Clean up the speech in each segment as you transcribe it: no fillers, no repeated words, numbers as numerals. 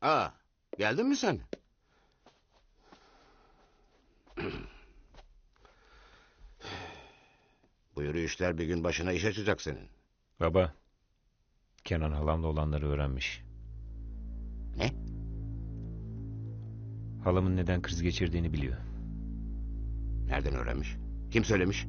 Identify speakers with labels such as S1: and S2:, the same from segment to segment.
S1: Aa, geldin mi sen? Bu yürüyüşler bir gün başına iş açacak senin.
S2: Baba, Kenan halamla olanları öğrenmiş.
S1: Ne?
S2: Halamın neden kriz geçirdiğini biliyor.
S1: Nereden öğrenmiş? Kim söylemiş?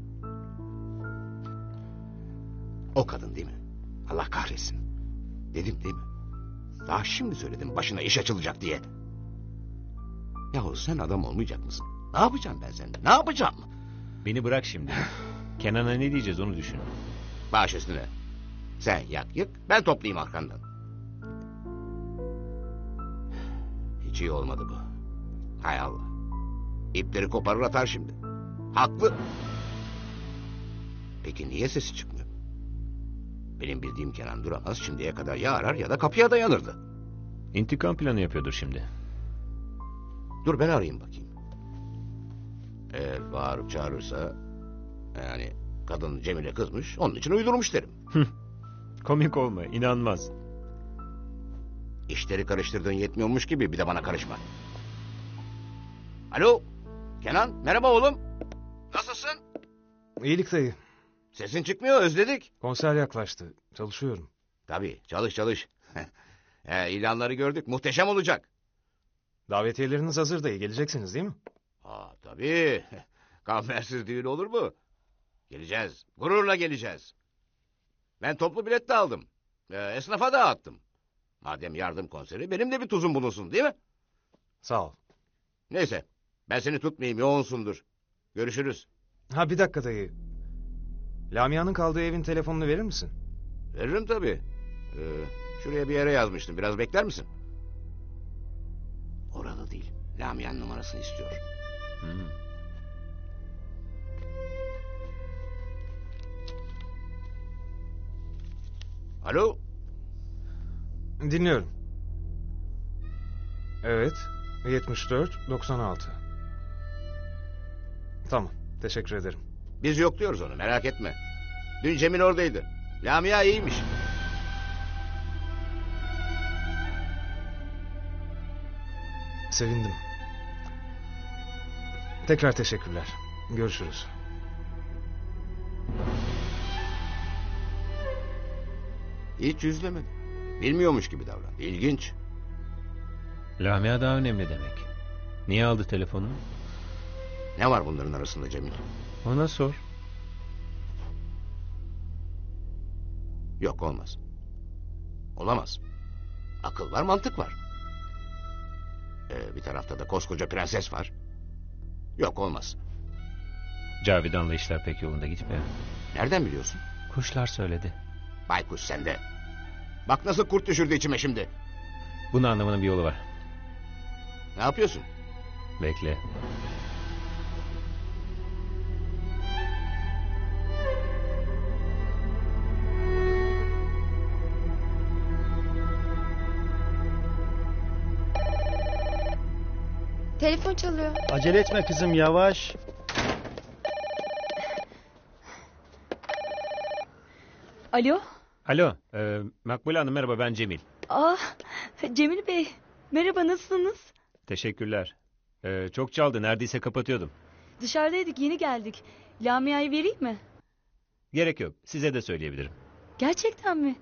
S1: O kadın değil mi? Allah kahretsin. Dedim değil mi? Daha şimdi söyledim başına iş açılacak diye. Yahu sen adam olmayacak mısın? Ne yapacağım ben senden? Ne yapacağım?
S2: Beni bırak şimdi. Kenan'a ne diyeceğiz onu düşün.
S1: Baş üstüne. Sen yak yık, ben toplayayım arkandan. Hiç iyi olmadı bu. Hay Allah. İpleri koparır atar şimdi. Haklı. Peki niye sesi çıkmıyor? Benim bildiğim Kenan Duramaz şimdiye kadar ya arar ya da kapıya dayanırdı.
S2: İntikam planı yapıyordur şimdi.
S1: Dur ben arayayım bakayım. Eğer bağırıp çağırırsa... Yani kadın Cemile kızmış, onun için uydurmuş derim.
S2: Komik olma, inanmaz.
S1: İşleri karıştırdığın yetmiyormuş gibi bir de bana karışma. Alo, Kenan, merhaba oğlum. Nasılsın?
S3: İyilik dayı.
S1: Sesin çıkmıyor, özledik.
S3: Konser yaklaştı. Çalışıyorum.
S1: Tabii, çalış. İlanları gördük, muhteşem olacak.
S3: Davetiyeleriniz hazır dayı. Geleceksiniz değil mi?
S1: Ha tabii. Kambersiz düğün olur mu? Geleceğiz, gururla geleceğiz. Ben toplu bilet de aldım. Esnafa dağıttım. Madem yardım konseri, benim de bir tuzum bulunsun değil mi?
S3: Sağ ol.
S1: Neyse, ben seni tutmayayım, yoğunsundur. Görüşürüz.
S3: Ha bir dakika dayı. Lamia'nın kaldığı evin telefonunu verir misin?
S1: Veririm tabii. Şuraya bir yere yazmıştım. Biraz bekler misin? Orada değil. Lamia'nın numarasını istiyor. Alo?
S3: Dinliyorum. Evet. 74-96. Tamam. Teşekkür ederim.
S1: Biz yokluyoruz onu, merak etme. Dün Cemil oradaydı. Lamia iyiymiş.
S3: Sevindim. Tekrar teşekkürler. Görüşürüz.
S1: Hiç yüzlemedi. Bilmiyormuş gibi davrandı. İlginç.
S2: Lamia daha önemli demek. Niye aldı telefonu?
S1: Ne var bunların arasında Cemil?
S2: Ona sor.
S1: Yok, olmaz. Olamaz. Akıl var, mantık var. Bir tarafta da koskoca prenses var. Yok, olmaz.
S2: Cavidan'la işler pek yolunda gitmiyor.
S1: Nereden biliyorsun?
S2: Kuşlar söyledi.
S1: Baykuş sende. Bak nasıl kurt düşürdü içime şimdi.
S2: Bunu anlamanın bir yolu var.
S1: Ne yapıyorsun?
S2: Bekle.
S4: Telefon çalıyor.
S5: Acele etme kızım, yavaş.
S6: Alo?
S2: Alo, Makbule Hanım merhaba, ben Cemil.
S6: Cemil Bey. Merhaba, nasılsınız?
S2: Teşekkürler. Çok çaldı, neredeyse kapatıyordum.
S6: Dışarıdaydık, yeni geldik. Lamia'yı vereyim mi?
S2: Gerek yok, size de söyleyebilirim.
S6: Gerçekten mi?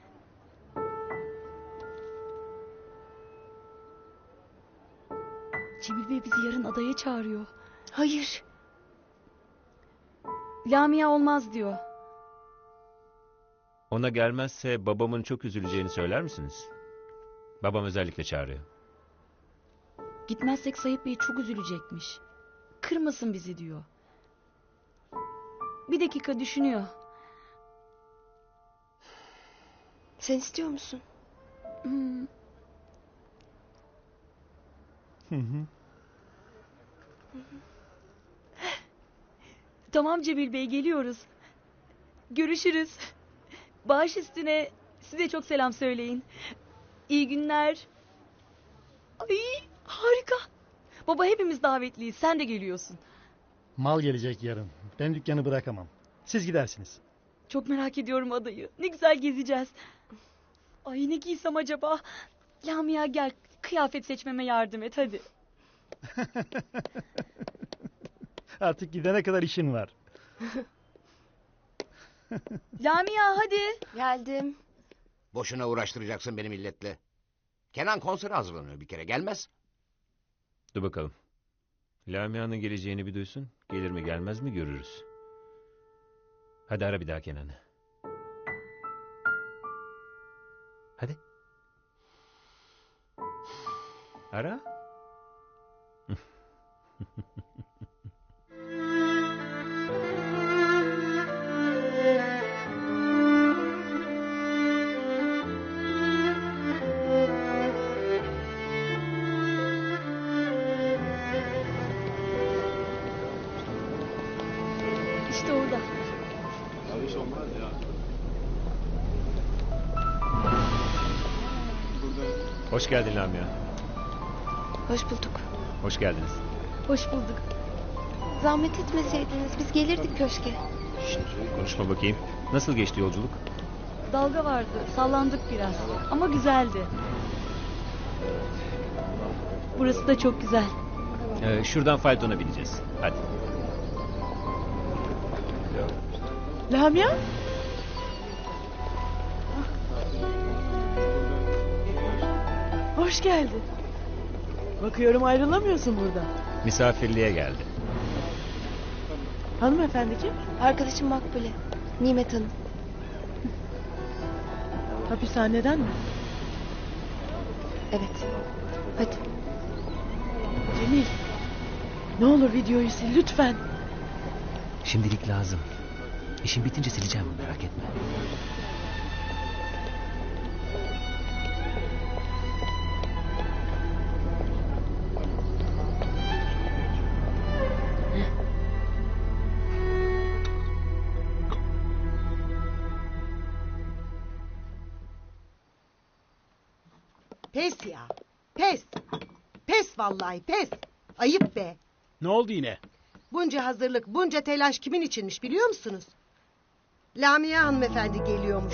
S6: Cemil Bey bizi yarın adaya çağırıyor.
S4: Hayır.
S6: Lamia olmaz diyor.
S2: Ona gelmezse babamın çok üzüleceğini söyler misiniz? Babam özellikle çağırıyor.
S6: Gitmezsek Sayıp Bey çok üzülecekmiş. Kırmasın bizi diyor. Bir dakika düşünüyor.
S4: Sen istiyor musun?
S6: Tamam Cemil Bey, geliyoruz. Görüşürüz. Baş üstüne size çok selam söyleyin. İyi günler. Ay harika. Baba hepimiz davetliyiz. Sen de geliyorsun.
S5: Mal gelecek yarın. Ben dükkanı bırakamam. Siz gidersiniz.
S6: Çok merak ediyorum adayı. Ne güzel gezeceğiz. Ay ne giysem acaba? Lamia gel, kıyafet seçmeme yardım et hadi.
S5: Artık gidene kadar işin var.
S6: Lamia hadi.
S4: Geldim.
S1: Boşuna uğraştıracaksın beni milletle. Kenan konsere hazırlanıyor bir kere. Gelmez.
S2: Dur bakalım. Lamia'nın geleceğini bir duysun. Gelir mi gelmez mi görürüz. Hadi ara bir daha Kenan'ı. Hadi. Ara.
S6: İşte orada.
S2: Hoş geldin Lamia.
S4: Hoş bulduk.
S2: Hoş geldiniz.
S6: Hoş bulduk.
S4: Zahmet etmeseydiniz biz gelirdik köşke.
S2: Konuşma bakayım. Nasıl geçti yolculuk?
S6: Dalga vardı, sallandık biraz. Ama güzeldi. Burası da çok güzel.
S2: Şuradan faytona bineceğiz. Hadi.
S7: Lamia? Hoş geldin. Bakıyorum ayrılamıyorsun buradan.
S2: Misafirliğe geldi.
S7: Hanımefendi kim?
S4: Arkadaşım Makbule. Nimet Hanım.
S7: Hapishaneden mi?
S4: Evet. Hadi.
S7: Cemil. Ne olur videoyu sil lütfen.
S8: Şimdilik lazım. İşim bitince sileceğim, merak etme.
S9: Pes ya. Pes. Pes vallahi pes. Ayıp be.
S5: Ne oldu yine?
S9: Bunca hazırlık, bunca telaş kimin içinmiş biliyor musunuz? Lamia hanımefendi geliyormuş.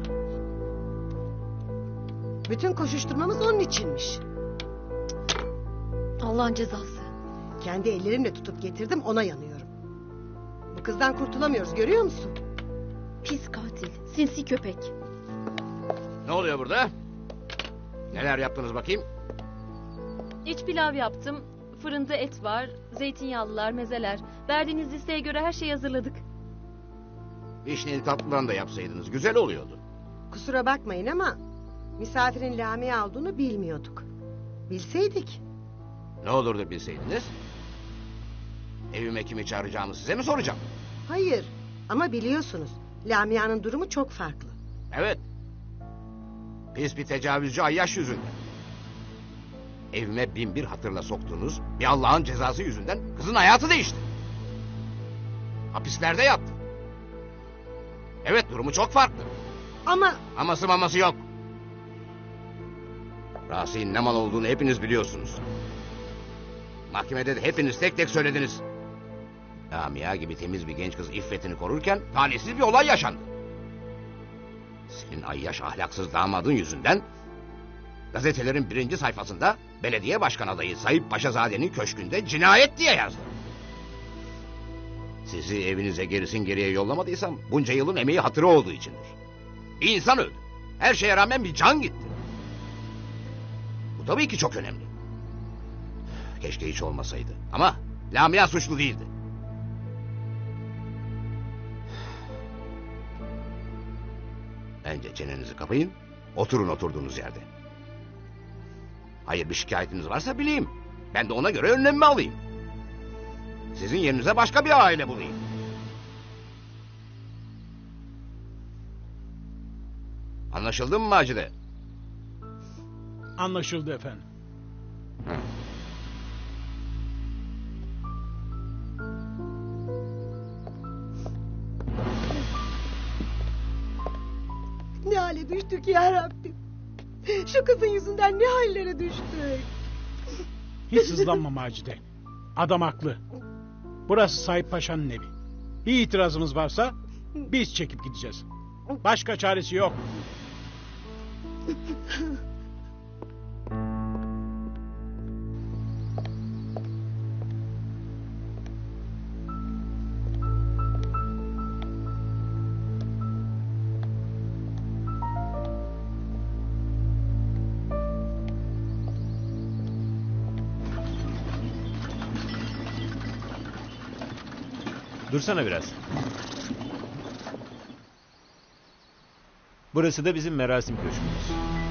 S9: Bütün koşuşturmamız onun içinmiş.
S4: Allah'ın cezası.
S9: Kendi ellerimle tutup getirdim, ona yanıyorum. Bu kızdan kurtulamıyoruz, görüyor musun?
S4: Pis katil. Sinsi köpek.
S1: Ne oluyor burada? Neler yaptınız bakayım?
S10: İç pilav yaptım. Fırında et var, zeytinyağlılar, mezeler. Verdiğiniz listeye göre her şeyi hazırladık.
S1: Vişneli tatlıdan da yapsaydınız güzel oluyordu.
S9: Kusura bakmayın ama misafirin Lamia olduğunu bilmiyorduk. Bilseydik.
S1: Ne olurdu bilseydiniz? Evime kimi çağıracağımı size mi soracağım?
S9: Hayır ama biliyorsunuz Lamia'nın durumu çok farklı.
S1: Evet. Pis bir tecavüzcü Ayyaş yüzünden. Evime bin bir hatırla soktuğunuz bir Allah'ın cezası yüzünden kızın hayatı değişti. Hapislerde yattı. Evet, durumu çok farklı.
S9: Ama
S1: Aması maması yok. Rasik'in ne mal olduğunu hepiniz biliyorsunuz. Mahkemede de hepiniz tek tek söylediniz. Lamia gibi temiz bir genç kız iffetini korurken talihsiz bir olay yaşandı. Senin Ayyaş ahlaksız damadın yüzünden gazetelerin birinci sayfasında belediye başkan adayı Sayıp Paşazade'nin köşkünde cinayet diye yazdı. Sizi evinize gerisin geriye yollamadıysam bunca yılın emeği hatırı olduğu içindir. Bir insan öldü. Her şeye rağmen bir can gitti. Bu tabii ki çok önemli. Keşke hiç olmasaydı. Ama Lamia suçlu değildi. Bence çenenizi kapayın, oturun oturduğunuz yerde. Hayır, bir şikayetiniz varsa bileyim. Ben de ona göre önlemimi alayım. Sizin yerinize başka bir aile bulayım. Anlaşıldı mı Macide?
S5: Anlaşıldı efendim.
S1: Hı.
S9: ne hale düştük ya Rabbim. Şu kızın yüzünden ne hallere düştük.
S5: Hiç sızlanma Macide. Adam haklı. Burası Sayıp Paşa'nın evi. Bir itirazımız varsa biz çekip gideceğiz. Başka çaresi yok.
S2: Dursana biraz. Burası da bizim merasim köşkümüz.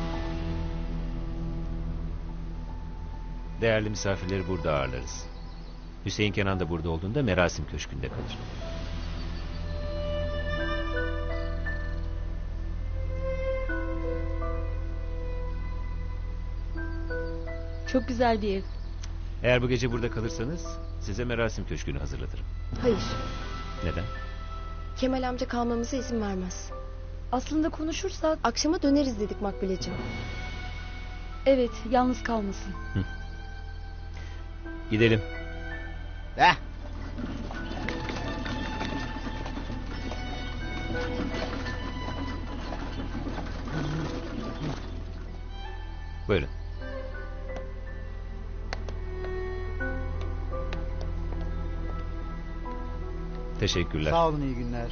S2: Değerli misafirleri burada ağırlarız. Hüseyin Kenan da burada olduğunda merasim köşkünde kalır.
S6: Çok güzel bir ev.
S2: Eğer bu gece burada kalırsanız size merasim köşkünü hazırlatırım.
S4: Hayır.
S2: Neden?
S4: Kemal amca kalmamıza izin vermez.
S6: Aslında konuşursak
S4: Akşama döneriz dedik Makbule'cim.
S6: evet yalnız kalmasın.
S2: Gidelim.
S1: Heh.
S2: Buyurun. Teşekkürler.
S11: Sağ olun, iyi günler.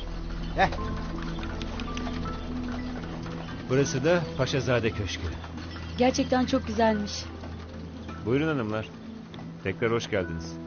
S2: Burası da Paşazade Köşkü.
S6: Gerçekten çok güzelmiş.
S2: Buyurun hanımlar. Tekrar hoş geldiniz.